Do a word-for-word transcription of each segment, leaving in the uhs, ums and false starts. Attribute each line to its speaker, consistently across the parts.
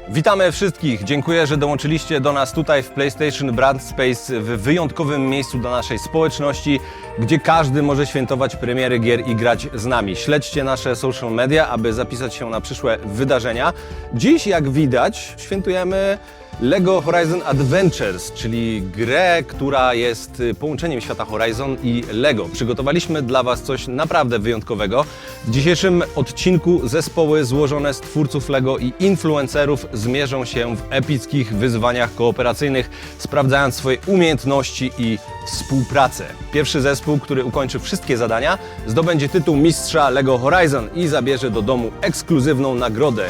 Speaker 1: Witamy wszystkich. Dziękuję, że dołączyliście do nas tutaj w PlayStation Brand Space w wyjątkowym miejscu dla naszej społeczności, gdzie każdy może świętować premiery gier i grać z nami. Śledźcie nasze social media, aby zapisać się na przyszłe wydarzenia. Dziś, jak widać, świętujemy LEGO Horizon Adventures, czyli grę, która jest połączeniem świata Horizon i LEGO. Przygotowaliśmy dla Was coś naprawdę wyjątkowego. W dzisiejszym odcinku zespoły złożone z twórców LEGO i influencerów zmierzą się w epickich wyzwaniach kooperacyjnych, sprawdzając swoje umiejętności i współpracę. Pierwszy zespół, który ukończy wszystkie zadania, zdobędzie tytuł mistrza LEGO Horizon i zabierze do domu ekskluzywną nagrodę.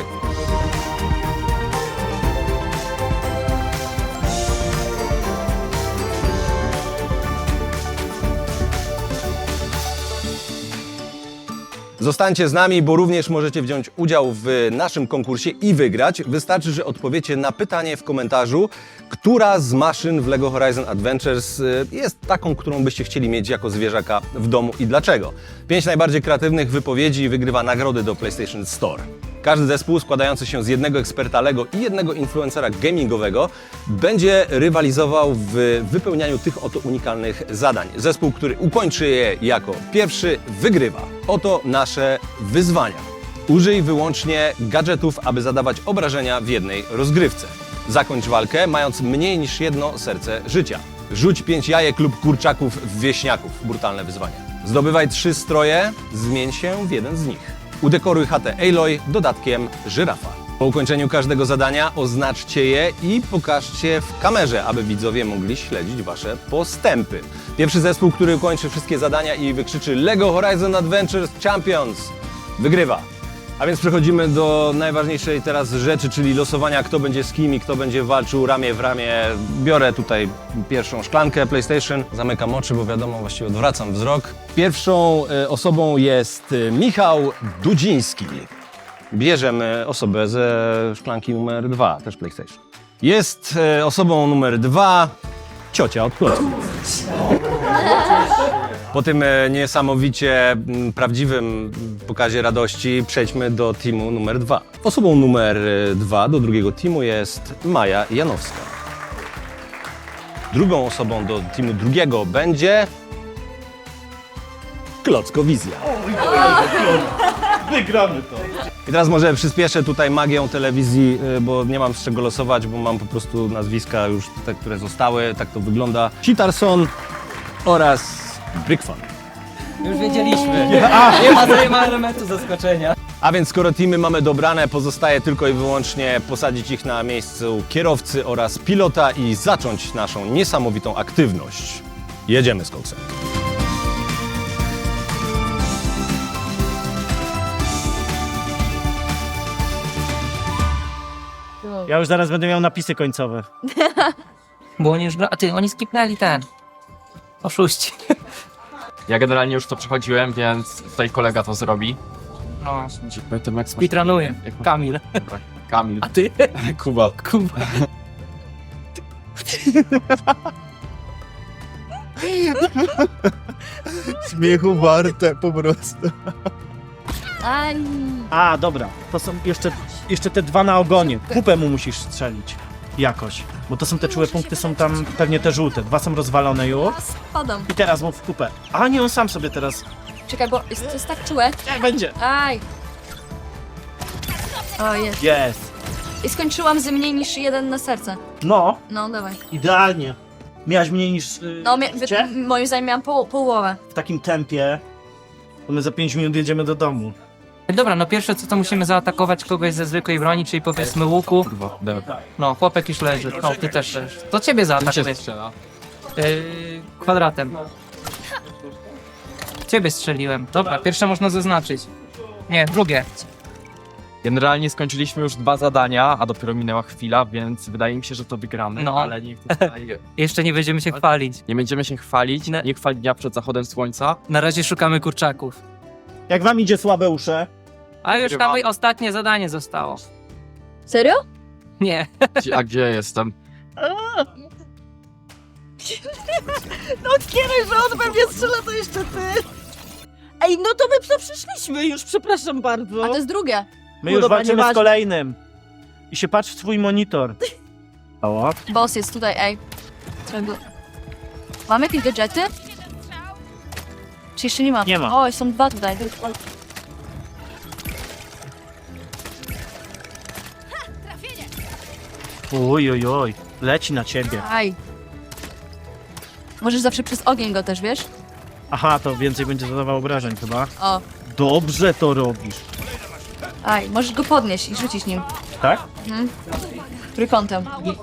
Speaker 1: Zostańcie z nami, bo również możecie wziąć udział w naszym konkursie i wygrać. Wystarczy, że odpowiecie na pytanie w komentarzu, która z maszyn w LEGO Horizon Adventures jest taką, którą byście chcieli mieć jako zwierzaka w domu i dlaczego. Pięć najbardziej kreatywnych wypowiedzi wygrywa nagrody do PlayStation Store. Każdy zespół składający się z jednego eksperta LEGO i jednego influencera gamingowego będzie rywalizował w wypełnianiu tych oto unikalnych zadań. Zespół, który ukończy je jako pierwszy, wygrywa. Oto nasze wyzwania. Użyj wyłącznie gadżetów, aby zadawać obrażenia w jednej rozgrywce. Zakończ walkę, mając mniej niż jedno serce życia. Rzuć pięć jajek lub kurczaków w wieśniaków. Brutalne wyzwanie. Zdobywaj trzy stroje, zmień się w jeden z nich. Udekoruj chatę Aloy dodatkiem żyrafa. Po ukończeniu każdego zadania oznaczcie je i pokażcie w kamerze, aby widzowie mogli śledzić Wasze postępy. Pierwszy zespół, który ukończy wszystkie zadania i wykrzyczy LEGO Horizon Adventures Champions, wygrywa. A więc przechodzimy do najważniejszej teraz rzeczy, czyli losowania, kto będzie z kim i kto będzie walczył ramię w ramię. Biorę tutaj pierwszą szklankę PlayStation, zamykam oczy, bo wiadomo, właściwie odwracam wzrok. Pierwszą e, osobą jest e, Michał Dudziński. Bierzemy osobę ze szklanki numer dwa, też PlayStation. Jest e, osobą numer dwa ciocia od klocków. Po tym niesamowicie prawdziwym pokazie radości przejdźmy do teamu numer dwa. Osobą numer dwa do drugiego teamu jest Maja Janowska. Drugą osobą do teamu drugiego będzie Klockowizja.
Speaker 2: Wygramy to.
Speaker 1: I teraz może przyspieszę tutaj magią telewizji, bo nie mam z czego losować, bo mam po prostu nazwiska już te, które zostały. Tak to wygląda. Citarson oraz Brickfan.
Speaker 3: Już wiedzieliśmy. Nie ma, nie ma elementu zaskoczenia.
Speaker 1: A więc skoro teamy mamy dobrane, pozostaje tylko i wyłącznie posadzić ich na miejscu kierowcy oraz pilota i zacząć naszą niesamowitą aktywność. Jedziemy z koksem.
Speaker 2: Ja już zaraz będę miał napisy końcowe.
Speaker 3: Bo oni już gra... A ty, oni skipnęli ten. Oszuści.
Speaker 4: Ja generalnie już to przechodziłem, więc tutaj kolega to zrobi.
Speaker 3: No.
Speaker 4: Pamiętam jak
Speaker 3: Speedrunuję. Kamil.
Speaker 4: Kamil.
Speaker 3: A ty?
Speaker 4: Kuba.
Speaker 3: Kuba.
Speaker 5: Śmiechu warte po prostu.
Speaker 6: Aj.
Speaker 2: A, dobra. To są jeszcze, jeszcze te dwa na ogonie. Kupę mu musisz strzelić. Jakoś. Bo to są te czułe punkty, są tam pewnie te żółte. Dwa są rozwalone już.
Speaker 6: Spadam.
Speaker 2: I teraz mu w kupę. A nie, on sam sobie teraz.
Speaker 6: Czekaj, bo jest, to jest tak czułe.
Speaker 2: Jak będzie?
Speaker 6: Aj. O, jest.
Speaker 2: Jest.
Speaker 6: I skończyłam z mniej niż jeden na serce.
Speaker 2: No,
Speaker 6: No, dawaj.
Speaker 2: idealnie. Miałaś mniej niż yy,
Speaker 6: No, mia-
Speaker 2: Cię?
Speaker 6: wy- moim zdaniem miałam poł- połowę.
Speaker 2: w takim tempie. To my za pięć minut jedziemy do domu.
Speaker 3: Dobra, no pierwsze co to musimy zaatakować kogoś ze zwykłej broni, czyli powiedzmy łuku.
Speaker 4: Kurwa, dobra.
Speaker 3: No, chłopek już leży. No, ty też leżysz. To ciebie
Speaker 4: Czym się
Speaker 3: zaatakuję.
Speaker 4: strzela?
Speaker 3: Yy, kwadratem. Ciebie strzeliłem. Dobra, pierwsze można zaznaczyć. Nie, drugie.
Speaker 4: Generalnie skończyliśmy już dwa zadania, a dopiero minęła chwila, więc wydaje mi się, że to wygramy,
Speaker 3: No.
Speaker 4: ale niech tutaj
Speaker 3: Jeszcze nie będziemy się chwalić.
Speaker 4: nie będziemy się chwalić,
Speaker 3: Ne-
Speaker 4: nie chwal dnia przed zachodem słońca.
Speaker 3: Na razie szukamy kurczaków.
Speaker 2: Jak wam idzie słabe usze?
Speaker 3: A już
Speaker 4: Wygrywamy.
Speaker 3: tam ostatnie zadanie zostało.
Speaker 6: Serio?
Speaker 3: Nie.
Speaker 4: Gdzie, a gdzie jestem?
Speaker 7: No otwieraj, że on we mnie strzela, to jeszcze ty. Ej, no to my to przyszliśmy już, przepraszam bardzo.
Speaker 6: A to jest drugie.
Speaker 2: My
Speaker 7: No
Speaker 2: już
Speaker 7: dobra,
Speaker 2: walczymy z
Speaker 7: nieważne.
Speaker 2: kolejnym. I się patrz w swój monitor. O,
Speaker 6: Boss jest tutaj, ej. Trzeba go... Mamy jakieś gadżety? Czy jeszcze nie ma?
Speaker 2: Nie ma.
Speaker 6: O, są dwa tutaj.
Speaker 2: oj, oj, oj. Leci na ciebie.
Speaker 6: Aj. Możesz zawsze przez ogień go też, wiesz?
Speaker 2: Aha, to więcej będzie zadawał obrażeń chyba.
Speaker 6: O,
Speaker 2: Dobrze to robisz.
Speaker 6: aj. Możesz go podnieść i rzucić nim.
Speaker 2: Tak?
Speaker 6: Trójkątem.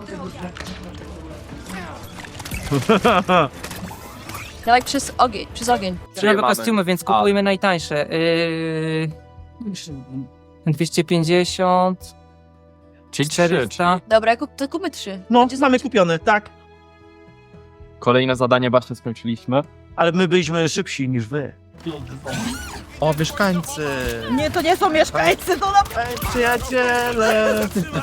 Speaker 6: Dawaj przez ogień, przez ogień.
Speaker 3: Nowe
Speaker 4: mamy?
Speaker 3: kostiumy, więc kupujmy najtańsze. Yy... dwieście pięćdziesiąt,
Speaker 4: Czyli trzy.
Speaker 3: czterysta.
Speaker 6: Dobra, kup, to kupmy trzy.
Speaker 2: No,
Speaker 6: Będzie
Speaker 2: mamy kupione, tak.
Speaker 4: Kolejne zadanie właśnie skończyliśmy.
Speaker 2: Ale my byliśmy szybsi niż wy.
Speaker 5: O, mieszkańcy!
Speaker 7: Nie, to nie są mieszkańcy, to na...
Speaker 5: Przyjaciele!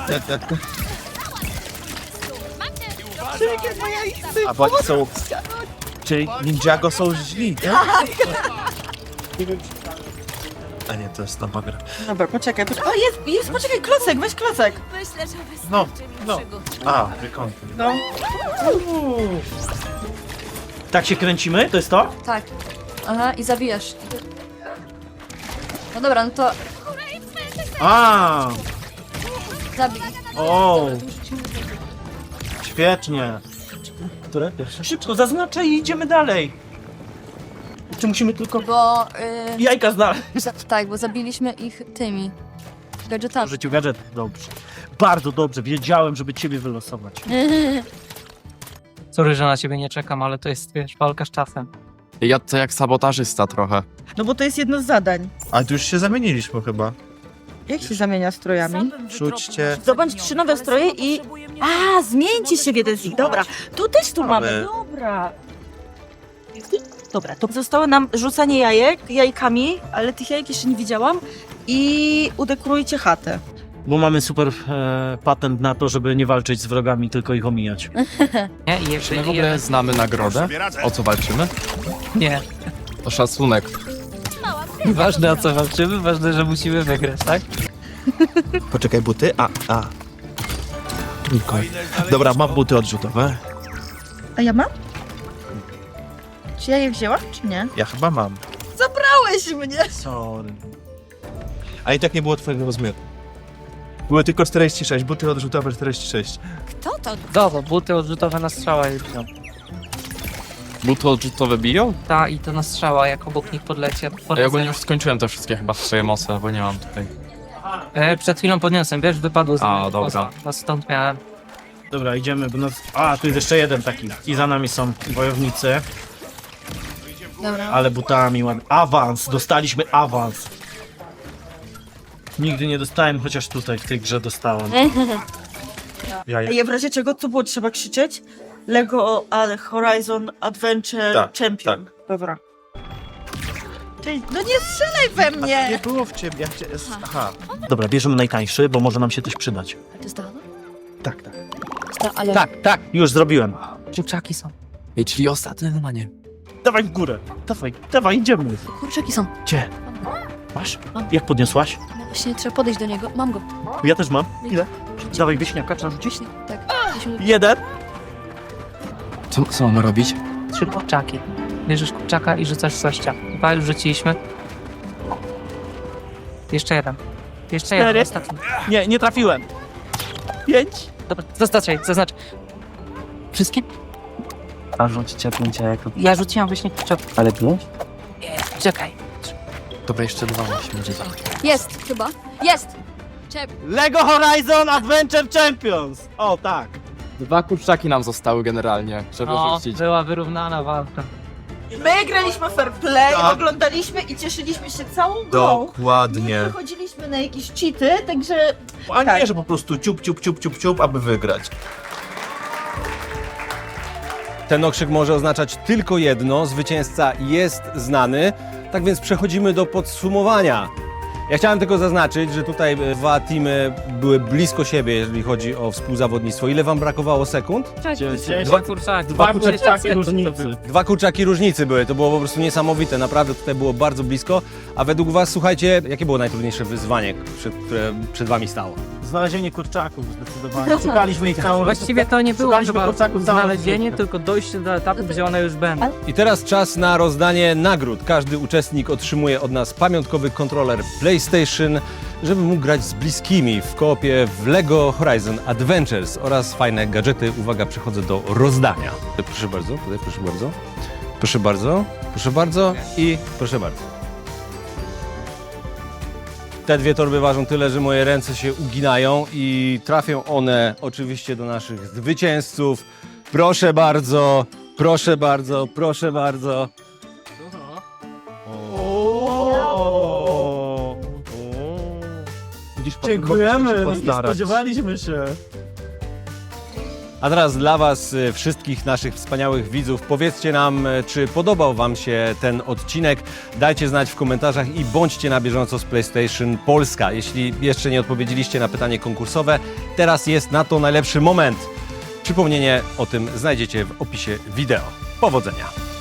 Speaker 7: Czekaj, bo ja ich chcę.
Speaker 5: A bo oni są... Czyli Ninjago są źli, tak? A nie, to jest nowa gra.
Speaker 7: Dobra, poczekaj, poczekaj. O, jest, jest, poczekaj, klocek, weź klocek.
Speaker 5: No, no. A, wykąty.
Speaker 7: No.
Speaker 2: Tak się kręcimy? To jest to?
Speaker 6: Tak. Aha, i zabijasz. No dobra, no to
Speaker 2: A,
Speaker 6: zabij.
Speaker 2: o, świetnie. Które pierwsze? Szybko, zaznaczaj i idziemy dalej. Czy musimy tylko
Speaker 6: Bo... Yy,
Speaker 2: jajka znaleźć?
Speaker 6: za, tak, bo zabiliśmy ich tymi gadżetami.
Speaker 2: W życiu gadżet. Dobrze. Bardzo dobrze. Wiedziałem, żeby ciebie wylosować.
Speaker 3: Sorry, że na ciebie nie czekam, ale to jest, wiesz, walka z czasem.
Speaker 4: Ja to jak sabotażysta trochę.
Speaker 7: No bo to jest jedno z zadań.
Speaker 5: A tu już się zamieniliśmy chyba.
Speaker 7: Jak się zamienia strojami?
Speaker 5: Rzućcie...
Speaker 7: Zdobądź trzy nowe stroje i... A, zmieńcie się w jeden z nich, dobra. Tu też tu mamy,
Speaker 5: Mamy.
Speaker 7: dobra. Dobra, to zostało nam rzucanie jajek, jajkami, ale tych jajek jeszcze nie widziałam. I udekorujcie chatę.
Speaker 2: Bo mamy super e, patent na to, żeby nie walczyć z wrogami, tylko ich omijać.
Speaker 3: Nie? I
Speaker 4: Czy
Speaker 3: jeszcze
Speaker 4: my w ogóle znamy nagrodę? O co walczymy?
Speaker 3: Nie.
Speaker 4: To szacunek.
Speaker 3: Ważne o co walczymy, ważne, że musimy wygrać, tak?
Speaker 5: Poczekaj, buty. A, a. Nikoj. Dobra, mam buty odrzutowe.
Speaker 7: A ja mam? Czy ja je wzięłam, czy nie?
Speaker 5: Ja chyba mam.
Speaker 7: Zabrałeś mnie!
Speaker 2: Sorry.
Speaker 5: A i tak nie było twojego rozmiaru. Były tylko czterdzieści sześć, buty odrzutowe czterdzieści sześć.
Speaker 6: Kto to?
Speaker 3: Dobra, buty odrzutowe na strzała już są.
Speaker 4: Buty odrzutowe biją?
Speaker 3: Ta i to na strzała, jak obok nich podlecie.
Speaker 4: A ja ogólnie już skończyłem te wszystkie chyba swoje moce, bo nie mam tutaj.
Speaker 3: E, przed chwilą podniosłem, wiesz, wypadło z
Speaker 4: A,
Speaker 3: mnie
Speaker 4: dobra.
Speaker 3: poza. No stąd miałem.
Speaker 2: Dobra, idziemy, bo nas... A, tu jest jeszcze jeden taki. I za nami są wojownicy,
Speaker 6: Dobra.
Speaker 2: ale butami ładnie. Awans! Dostaliśmy awans! Nigdy nie dostałem, chociaż tutaj w tej grze dostałem. Ja,
Speaker 7: Ej, w razie czego tu było trzeba krzyczeć? Lego ale Horizon Adventure
Speaker 5: Tak,
Speaker 7: Champion. Dobra. Cześć, no nie strzelaj we
Speaker 5: Nie
Speaker 7: mnie!
Speaker 5: było w ciebie, jak cię... Aha.
Speaker 2: Dobra, bierzemy najtańszy, bo może nam się coś przydać.
Speaker 6: To jest to?
Speaker 2: Tak, tak.
Speaker 6: Sta- ale...
Speaker 2: Tak, tak, już zrobiłem.
Speaker 3: Kurczaki są.
Speaker 4: Ej, czyli ostatnie wymanie.
Speaker 2: Dawaj w górę. Dawaj, dawaj, idziemy.
Speaker 6: Kurczaki są.
Speaker 2: Gdzie? Masz? Jak podniosłaś?
Speaker 6: No właśnie, trzeba podejść do niego. Mam go.
Speaker 2: Ja też mam. Ile? Dawaj wieśniaka, trzeba rzucić.
Speaker 6: Właśnie, tak. Musimy-
Speaker 2: Jeden.
Speaker 4: Co, co mamy robić?
Speaker 3: Trzy kurczaki. Bierzesz kurczaka i rzucasz w gościa. Dwa już rzuciliśmy. Jeszcze jeden. Jeszcze
Speaker 2: Cztery.
Speaker 3: jeden, ostatni.
Speaker 2: Nie, nie trafiłem. Pięć.
Speaker 3: Dobra, zaznaczaj, zaznacz. Wszystkie?
Speaker 8: A rzucicie pięć jajek.
Speaker 3: Ja rzuciłam właśnie kurczak.
Speaker 8: Ale pięć?
Speaker 3: Czekaj.
Speaker 4: Dobra, jeszcze dwa musimy rzucić.
Speaker 6: Jest chyba. Jest! Czep.
Speaker 2: Lego Horizon Adventure Champions. O, tak.
Speaker 4: Dwa kurczaki nam zostały generalnie, żeby
Speaker 3: No,
Speaker 4: rzucić.
Speaker 3: była wyrównana walka.
Speaker 7: My graliśmy fair play,
Speaker 5: Tak.
Speaker 7: oglądaliśmy i cieszyliśmy się całą grą.
Speaker 5: Dokładnie.
Speaker 7: Nie wychodziliśmy na jakieś cheaty, także
Speaker 5: A
Speaker 7: Tak.
Speaker 5: nie, że po prostu ciup, ciup, ciup, ciup, ciup, aby wygrać.
Speaker 1: Ten okrzyk może oznaczać tylko jedno, zwycięzca jest znany, tak więc przechodzimy do podsumowania. Ja chciałem tylko zaznaczyć, że tutaj dwa teamy były blisko siebie, jeżeli chodzi o współzawodnictwo. Ile wam brakowało sekund?
Speaker 3: Dwa kurczaki.
Speaker 2: Dwa kurczaki różnicy.
Speaker 1: Dwa kurczaki różnicy były, to było po prostu niesamowite, naprawdę tutaj było bardzo blisko. A według was, słuchajcie, jakie było najtrudniejsze wyzwanie, przed, które przed wami stało?
Speaker 2: znalezienie kurczaków zdecydowanie. Szukaliśmy ich całą
Speaker 3: Właściwie to nie było
Speaker 2: Szukaliśmy
Speaker 3: chyba
Speaker 2: kurczaków całą
Speaker 3: znalezienie,
Speaker 2: rozgrywkę.
Speaker 3: tylko dojście do etapu, gdzie one już będą.
Speaker 1: I teraz czas na rozdanie nagród. Każdy uczestnik otrzymuje od nas pamiątkowy kontroler PlayStation, żeby mógł grać z bliskimi w koopie w LEGO Horizon Adventures oraz fajne gadżety. Uwaga, przechodzę do rozdania. Proszę bardzo, tutaj proszę bardzo. Proszę bardzo, proszę bardzo i proszę bardzo. Te dwie torby ważą tyle, że moje ręce się uginają i trafią one oczywiście do naszych zwycięzców. Proszę bardzo, proszę bardzo, proszę bardzo.
Speaker 5: Widzisz,
Speaker 2: Dziękujemy, nie
Speaker 5: postarać.
Speaker 2: spodziewaliśmy się.
Speaker 1: A teraz dla Was, y, wszystkich naszych wspaniałych widzów, powiedzcie nam, y, czy podobał Wam się ten odcinek. Dajcie znać w komentarzach i bądźcie na bieżąco z PlayStation Polska. Jeśli jeszcze nie odpowiedzieliście na pytanie konkursowe, teraz jest na to najlepszy moment. Przypomnienie o tym znajdziecie w opisie wideo. Powodzenia!